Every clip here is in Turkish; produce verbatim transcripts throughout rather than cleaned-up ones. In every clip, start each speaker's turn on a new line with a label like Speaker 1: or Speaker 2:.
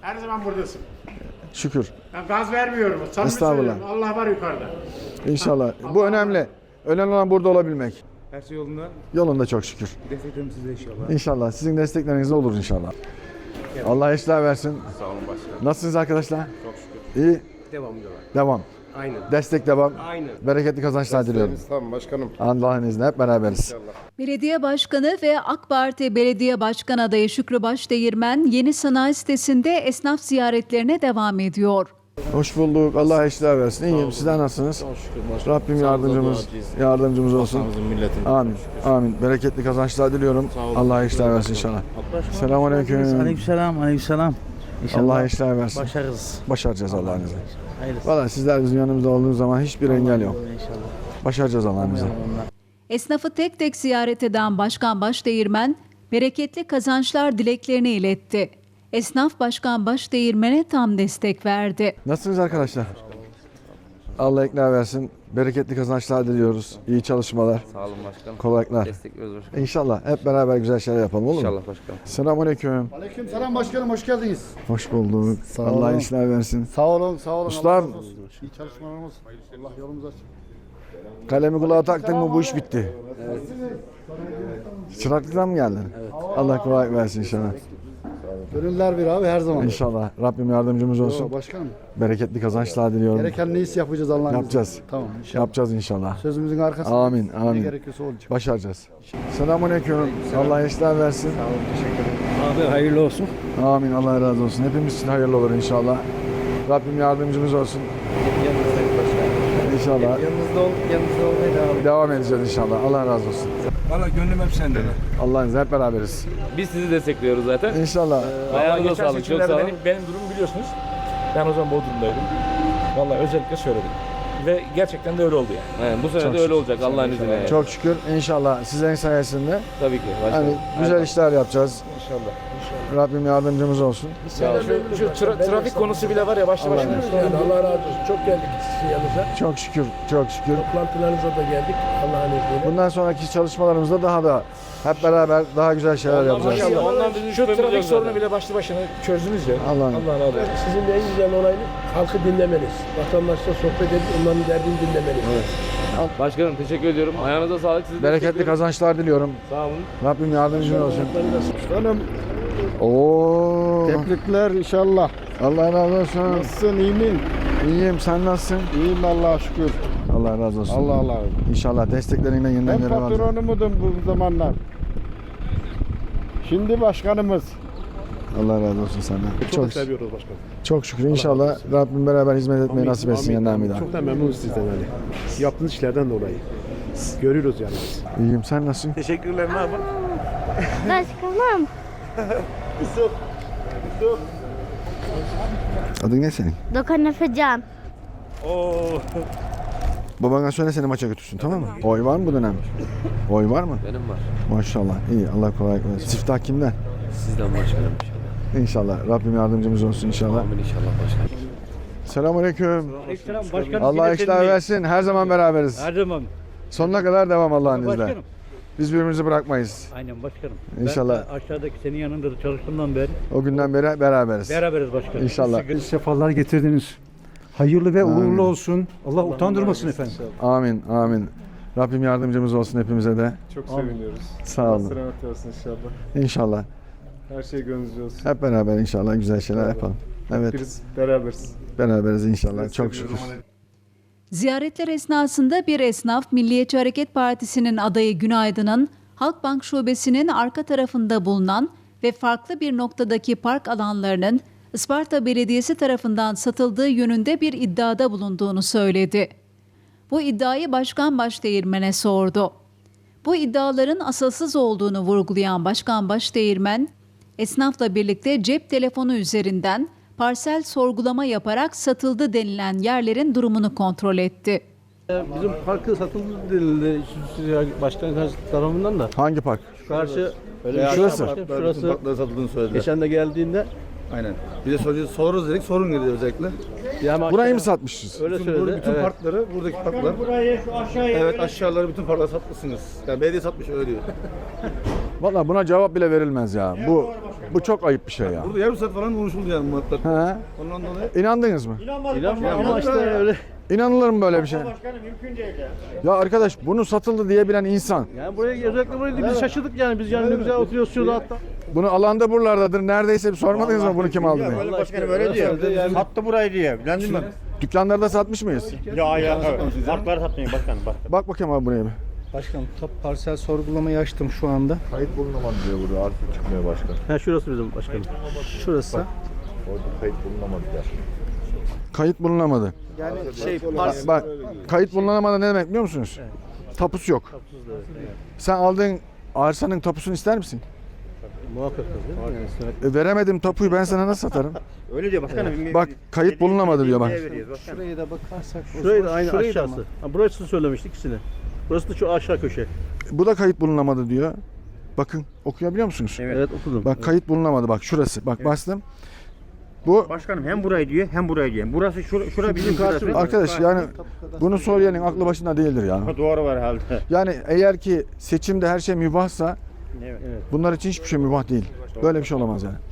Speaker 1: Her zaman buradasın.
Speaker 2: Şükür.
Speaker 1: Ben gaz vermiyorum. Samimi
Speaker 2: Estağfurullah.
Speaker 1: söylüyorum. Allah var yukarıda.
Speaker 2: İnşallah. Bu önemli. Önemli olan burada olabilmek.
Speaker 3: Her şey yolunda.
Speaker 2: Yolunda çok şükür.
Speaker 3: Desteklerim size inşallah.
Speaker 2: İnşallah. Sizin destekleriniz olur inşallah. Allah işler versin.
Speaker 3: Sağ olun başkanım.
Speaker 2: Nasılsınız arkadaşlar?
Speaker 3: Çok şükür.
Speaker 2: İyi.
Speaker 3: Devam diyorlar.
Speaker 2: Devam.
Speaker 3: Aynen.
Speaker 2: Destek devam.
Speaker 3: Aynen.
Speaker 2: Bereketli kazançlar diliyorum.
Speaker 4: Tamam başkanım.
Speaker 2: Allah'ın izniyle hep beraberiz.
Speaker 5: Belediye Başkanı ve AK Parti Belediye Başkan adayı Şükrü Başdeğirmen yeni sanayi sitesinde esnaf ziyaretlerine devam ediyor.
Speaker 2: Hoş bulduk. Allah işler versin. İyiyim. Sizler nasılsınız? Rabbim yardımcımız yardımcımız olsun. Amin. Amin. Bereketli kazançlar diliyorum. Allah işler versin inşallah. Selamünaleyküm.
Speaker 6: Aleykümselam, aleykümselam. İnşallah
Speaker 2: Allah işler versin.
Speaker 6: başarırız.
Speaker 2: Başaracağız Allah'ın izniyle.
Speaker 6: Hayırlısı.
Speaker 2: Valla sizler bizim yanımızda olduğunuz zaman hiçbir engel yok.
Speaker 6: İnşallah.
Speaker 2: Başaracağız Allah'ın izniyle.
Speaker 5: Esnafı tek tek ziyaret eden Başkan Başdeğirmen, bereketli kazançlar dileklerini iletti. Esnaf Başkan Başdeğirmen'e tam destek verdi.
Speaker 2: Nasılsınız arkadaşlar? Allah ikna versin. Bereketli kazançlar diliyoruz. İyi çalışmalar.
Speaker 7: Sağ olun başkanım.
Speaker 2: Kolaylıklar.
Speaker 7: Destekliyoruz başkanım.
Speaker 2: İnşallah hep beraber güzel şeyler yapalım olur mu?
Speaker 7: İnşallah başkanım.
Speaker 2: Selamünaleyküm.
Speaker 4: Aleyküm selam başkanım, hoş geldiniz.
Speaker 2: Hoş bulduk.
Speaker 4: Sağ
Speaker 2: Allah
Speaker 4: olun.
Speaker 2: işler versin.
Speaker 4: Sağ olun, sağ olun.
Speaker 2: Ustam.
Speaker 4: Allah razı olsun. İyi çalışmalarımız. Allah yolumuzu açsın.
Speaker 2: Kalemi kulağa taktın mı bu iş bitti. Çıraklıktan mı geldin? Allah kolaylık versin inşallah.
Speaker 4: Gönüller bir abi her zaman.
Speaker 2: İnşallah Rabbim yardımcımız olsun.
Speaker 4: Yo, başkanım.
Speaker 2: Bereketli kazançlar diliyorum.
Speaker 4: Gereken neyse yapacağız Allah'ın izniyle.
Speaker 2: Yapacağız.
Speaker 4: Tamam inşallah.
Speaker 2: Yapacağız inşallah.
Speaker 4: Sözümüzün arkasında.
Speaker 2: Amin,
Speaker 4: Ne
Speaker 2: amin.
Speaker 4: gerekiyorsa olacak.
Speaker 2: Başaracağız. Selamünaleyküm. Allah işler versin.
Speaker 6: Abi hayırlı olsun.
Speaker 2: Amin. Allah razı olsun. Hepimiz için hayırlı olur inşallah. Rabbim yardımcımız olsun. İnşallah.
Speaker 6: Yanınızda ol, yanınızda olmaya devam.
Speaker 2: Devam edeceğiz inşallah. Allah razı olsun.
Speaker 3: Valla gönlüm hep sende.
Speaker 2: Allah'ın izniyle hep beraberiz.
Speaker 7: Biz sizi destekliyoruz zaten.
Speaker 2: İnşallah.
Speaker 7: Ayağınıza
Speaker 1: Geçen
Speaker 7: sağlık. Çok
Speaker 1: seçimlerde
Speaker 7: sağ olun.
Speaker 1: benim, benim durumu biliyorsunuz. Ben o zaman Bodrum'daydım. Vallahi özellikle söyledim. Ve gerçekten de öyle oldu yani.
Speaker 7: He, bu sene
Speaker 2: Çok
Speaker 7: de öyle olacak Allah'ın izniyle. yani.
Speaker 2: Çok şükür inşallah sizlerin sayesinde
Speaker 7: Tabii ki başkanım.
Speaker 2: hani güzel işler yapacağız.
Speaker 1: İnşallah.
Speaker 2: Rabbim yardımcımız olsun.
Speaker 7: Sağ olun.
Speaker 1: Şu, şu tra- trafik konusu bile var ya başlı başına.
Speaker 8: Yani Allah razı olsun. Çok geldik sizin yanınıza.
Speaker 2: Çok şükür, çok şükür.
Speaker 8: Toplantılarınıza da geldik Allah'ın izniyle.
Speaker 2: Bundan sonraki çalışmalarımızda daha da hep beraber daha güzel şeyler yapacağız.
Speaker 1: Maşallah.
Speaker 7: Ondan bizim
Speaker 1: Şu
Speaker 7: şüphemiz
Speaker 1: trafik
Speaker 7: yok
Speaker 1: sorunu
Speaker 7: zaten.
Speaker 1: bile başlı başına çözdünüz ya.
Speaker 2: Allah'ım.
Speaker 1: Allah razı olsun.
Speaker 8: Sizin de en güzel olayınız halkı dinlemeniz. Vatandaşla sohbet edip onların derdini dinlemeniz.
Speaker 7: Başkanım teşekkür ediyorum. Ayağınıza sağlık. Sizi
Speaker 2: Bereketli
Speaker 7: destekliyoruz.
Speaker 2: kazançlar diliyorum.
Speaker 7: Sağ olun.
Speaker 2: Rabbim yardımcın olsun.
Speaker 4: Başkanım
Speaker 2: Oo.
Speaker 4: tebrikler inşallah.
Speaker 2: Allah razı olsun.
Speaker 4: Nasılsın, iyi misin?
Speaker 2: İyiyim, sen nasılsın?
Speaker 4: İyiyim Allah'a şükür.
Speaker 2: Allah razı olsun.
Speaker 4: Allah Allah.
Speaker 2: İnşallah desteklerinden yeniden
Speaker 4: Ben
Speaker 2: yere alacağım.
Speaker 4: patronumudum bu zamanlar. Şimdi başkanımız.
Speaker 2: Allah razı olsun senden. Çok,
Speaker 8: seviyoruz başkanım.
Speaker 2: çok şükür inşallah Rabbim beraber hizmet etmeyi nasip etsin yeniden bir daha.
Speaker 8: Çok da memnunuz sizden hani. Yaptığınız işlerden dolayı. Görüyoruz yani biz.
Speaker 2: İyiyim, sen nasılsın?
Speaker 3: Teşekkürler ne yapalım?
Speaker 9: Başkanım.
Speaker 2: Adın ne senin?
Speaker 9: Dokan Efecan.
Speaker 3: Oo.
Speaker 2: Babana söyle seni maça götürsün tamam mı? Oy var mı bu dönem? Oy var mı?
Speaker 7: Benim var.
Speaker 2: Maşallah. İyi. Allah kolaylık versin. Siftah kimden?
Speaker 7: Sizden başkanım inşallah.
Speaker 2: İnşallah. Rabbim yardımcımız olsun inşallah.
Speaker 7: Amin inşallah başkanım.
Speaker 2: Selamünaleyküm.
Speaker 6: Aleykümselam başkanım.
Speaker 2: Allah işler versin. Her zaman beraberiz.
Speaker 6: Her zaman.
Speaker 2: Sonuna kadar devam Allah'ın izniyle.
Speaker 6: Başkanım.
Speaker 2: Biz birbirimizi bırakmayız.
Speaker 6: Aynen başkanım.
Speaker 2: İnşallah.
Speaker 6: Ben de aşağıdaki senin yanında da çalıştığımdan beri
Speaker 2: O günden beri beraberiz.
Speaker 6: beraberiz başkanım.
Speaker 2: İnşallah.
Speaker 10: Sefalar getirdiniz. Hayırlı ve
Speaker 2: Amin.
Speaker 10: uğurlu olsun. Allah utandırmasın efendim.
Speaker 2: Amin. Amin. Rabbim yardımcımız olsun hepimize de.
Speaker 3: Çok seviniyoruz.
Speaker 2: Sağ olun.
Speaker 3: Selamet olsun inşallah.
Speaker 2: İnşallah.
Speaker 3: Her şey gönlünüzce olsun.
Speaker 2: Hep beraber inşallah güzel şeyler yapalım. Evet.
Speaker 3: Biz beraberiz.
Speaker 2: Beraberiz inşallah. Çok şükür.
Speaker 5: Ziyaretler esnasında bir esnaf Milliyetçi Hareket Partisi'nin adayı Günaydın'ın Halkbank Şubesi'nin arka tarafında bulunan ve farklı bir noktadaki park alanlarının Isparta Belediyesi tarafından satıldığı yönünde bir iddiada bulunduğunu söyledi. Bu iddiayı Başkan Başdeğirmen'e sordu. Bu iddiaların asılsız olduğunu vurgulayan Başkan Başdeğirmen, esnafla birlikte cep telefonu üzerinden parsel sorgulama yaparak satıldı denilen yerlerin durumunu kontrol etti.
Speaker 6: Bizim parkı satıldı denildi başkan tarafından da.
Speaker 2: Hangi park?
Speaker 6: Karşı
Speaker 2: Şurası.
Speaker 6: şurası
Speaker 4: satıldığını söylediler.
Speaker 6: geçen de geldiğinde
Speaker 4: Aynen. Bir de soracağız, soruruz dedik, sorun dedi özellikle.
Speaker 6: yani
Speaker 2: Burayı mı satmışız?
Speaker 6: öyle
Speaker 4: Bütün,
Speaker 6: söyledi.
Speaker 4: bütün
Speaker 6: evet.
Speaker 4: parkları, buradaki parklar. Evet, aşağıları bütün parkları satmışsınız. Yani belediye satmış öyle diyor.
Speaker 2: Valla buna cevap bile verilmez ya. Bu Bu çok ayıp bir şey ya.
Speaker 6: Burada yarım saat falan konuşuldu yani muhabbet.
Speaker 2: He?
Speaker 6: Ondan dolayı.
Speaker 2: İnandınız mı?
Speaker 6: İnanmıyorum ama işte öyle.
Speaker 2: İnanılır mı böyle bir şey? Ya arkadaş bunu satıldı diyebilen insan.
Speaker 6: Yani buraya özellikle buraya değil, biz şaşırdık yani biz yani ne güzel oturuyoruz şurada hatta.
Speaker 2: Bunu alanda buralardadır. Neredeyse bir sormadınız mı bunu kim aldı diye?
Speaker 4: Böyle başkanım öyle diyor.
Speaker 6: Yani-
Speaker 4: Sattı burayı diye. Bilendin mi?
Speaker 2: Dükkanlarda satmış mıyız?
Speaker 4: Ya ya. Farkları satmayın başkanım bak.
Speaker 2: Bak bakayım abi buraya bir.
Speaker 10: Başkanım tapu parsel sorgulamayı açtım şu anda.
Speaker 3: Kayıt bulunamadı diyor burada. Artık çıkmıyor başkan.
Speaker 6: Ha şurası bizim başkanım.
Speaker 10: Şurası.
Speaker 3: Orada kayıt bulunamadı der.
Speaker 2: Kayıt bulunamadı.
Speaker 10: Yani şey
Speaker 2: Bak kayıt bulunamadı ne demek biliyor musunuz? Tapusu yok. Sen aldığın arsanın tapusunu ister misin?
Speaker 6: Muhakkak değil mi? Yani
Speaker 2: E, veremedim tapuyu ben sana nasıl satarım?
Speaker 4: Öyle diyor başkanım.
Speaker 2: Bak kayıt bulunamadı diyor bak.
Speaker 10: şuraya da bakarsak.
Speaker 6: şurayı da aynı
Speaker 10: şurayı da
Speaker 6: aşağısı.
Speaker 10: mı?
Speaker 6: Ha, burası söylemiştik ikisini. Burası da şu aşağı köşe.
Speaker 2: Bu da kayıt bulunamadı diyor. Bakın okuyabiliyor musunuz?
Speaker 6: Evet, okudum.
Speaker 2: Bak kayıt bulunamadı bak şurası. Bak bastım. Bu
Speaker 4: Başkanım hem burayı diyor hem burayı diyor. Burası şura, şura bizim karşımız.
Speaker 2: arkadaş yani bunu söyleyenin aklı başında değildir ya.
Speaker 4: Doğru var herhalde.
Speaker 2: Yani eğer ki seçimde her şey mübahsa
Speaker 4: Evet.
Speaker 2: bunlar için hiçbir şey mübah değil. Böyle bir şey olamaz yani.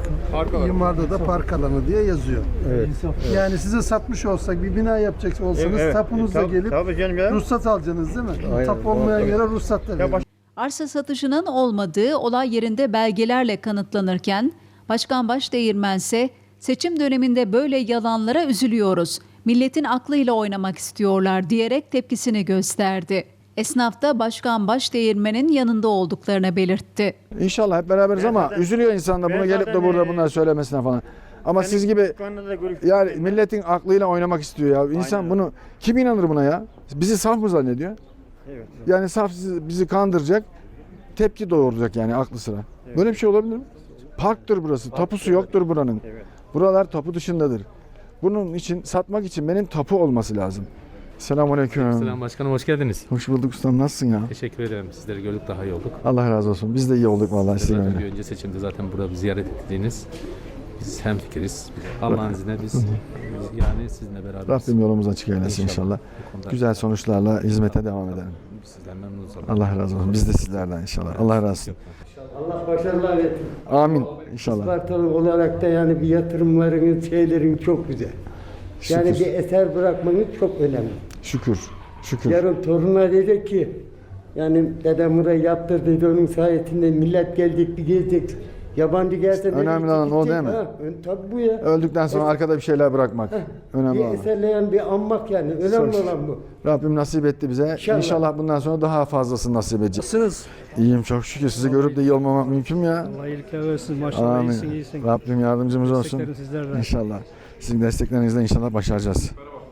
Speaker 10: İmarda da park alanı diye yazıyor.
Speaker 6: Evet.
Speaker 10: Yani size satmış olsak bir bina yapacak olsanız
Speaker 4: Evet.
Speaker 10: tapunuzla
Speaker 4: Tabii-
Speaker 10: gelip
Speaker 4: tabii canım ya.
Speaker 10: ruhsat alacaksınız değil mi?
Speaker 6: Aynen.
Speaker 10: Tapu olmayan
Speaker 6: Tabii.
Speaker 10: yere ruhsat da veriyor.
Speaker 5: Arsa satışının olmadığı olay yerinde belgelerle kanıtlanırken Başkan Başdeğirmen ise seçim döneminde böyle yalanlara üzülüyoruz. Milletin aklıyla oynamak istiyorlar diyerek tepkisini gösterdi. Esnaf da Başkan Başdeğirmen'in yanında olduklarını belirtti.
Speaker 2: İnşallah hep beraberiz ama
Speaker 4: zaten-
Speaker 2: üzülüyor insan da
Speaker 4: ben
Speaker 2: bunu gelip de
Speaker 4: zaten,
Speaker 2: burada
Speaker 4: e,
Speaker 2: bunları söylemesine falan. Ama siz gibi
Speaker 4: Konuda da görüş-
Speaker 2: yani milletin aklıyla oynamak istiyor ya. İnsan
Speaker 4: Aynen.
Speaker 2: bunu kim inanır buna ya? Bizi saf mı zannediyor?
Speaker 4: Evet.
Speaker 2: Yani saf sizi- bizi kandıracak, tepki doğuracak yani aklı sıra. Böyle bir şey olabilir mi? Parktır burası, tapusu yoktur buranın.
Speaker 4: Evet.
Speaker 2: Buralar tapu dışındadır. Bunun için satmak için benim tapu olması lazım. Selamünaleyküm.
Speaker 11: Selam başkanım, hoş geldiniz.
Speaker 2: Hoş bulduk ustam, nasılsın ya?
Speaker 11: Teşekkür ederim. Sizleri gördük, daha iyi olduk.
Speaker 2: Allah razı olsun. Biz de iyi olduk vallahi size
Speaker 11: Zaten bir
Speaker 2: öyle.
Speaker 11: önce seçimde zaten burada bir ziyaret ettiğiniz. Biz hemfikiriz. Allah'ın izniyle biz yani sizinle beraberiz.
Speaker 2: Rabbim yolumuzu açık eylesin inşallah.
Speaker 11: Bu konuda
Speaker 2: Güzel sonuçlarla hizmete devam edelim.
Speaker 11: Sizden memnunuz.
Speaker 2: Allah razı olsun. Biz de sizlerden inşallah. Allah razı olsun.
Speaker 12: Allah başarılar versin.
Speaker 2: Amin inşallah.
Speaker 12: Ispartalı olarak da yani bir yatırımlarınız, şeylerin çok güzel. Yani
Speaker 2: Şükür.
Speaker 12: bir eser bırakmanız çok önemli.
Speaker 2: Şükür. Şükür.
Speaker 12: Yarın torununa dedi ki, yani dedem burayı yaptır dedi, onun sayesinde millet gelecek bir gezecek. Yabancı gelse dedi,
Speaker 2: Önemli olan o
Speaker 12: gidecek.
Speaker 2: değil mi?
Speaker 12: Ha, ön- tabii bu ya.
Speaker 2: Öldükten sonra arkada bir şeyler bırakmak. Önemli
Speaker 12: Bir
Speaker 2: olan.
Speaker 12: eserleyen bir anmak yani. Önemli
Speaker 2: Çok-
Speaker 12: olan bu.
Speaker 2: Rabbim nasip etti bize.
Speaker 12: İnşallah.
Speaker 2: İnşallah bundan sonra daha fazlasını nasip edecek.
Speaker 10: Nasılsınız?
Speaker 2: İyiyim çok şükür. Sizi görüp de iyi olmamak mümkün mü ya?
Speaker 10: Allah iyilikler versin. Maşallah
Speaker 2: Amin.
Speaker 10: iyisin iyisin.
Speaker 2: Rabbim yardımcımız olsun.
Speaker 10: Desteklerim sizlerden.
Speaker 2: İnşallah. Sizin desteklerinizle inşallah başaracağız.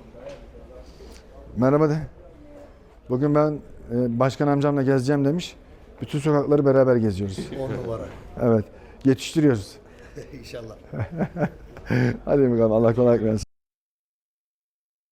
Speaker 2: Merhaba de. Bugün ben e, başkan amcamla gezeceğim demiş. Bütün sokakları beraber geziyoruz.
Speaker 4: On numara.
Speaker 2: Evet. Yetiştiriyoruz.
Speaker 4: İnşallah.
Speaker 2: Hadi bakalım Allah kolaylık versin.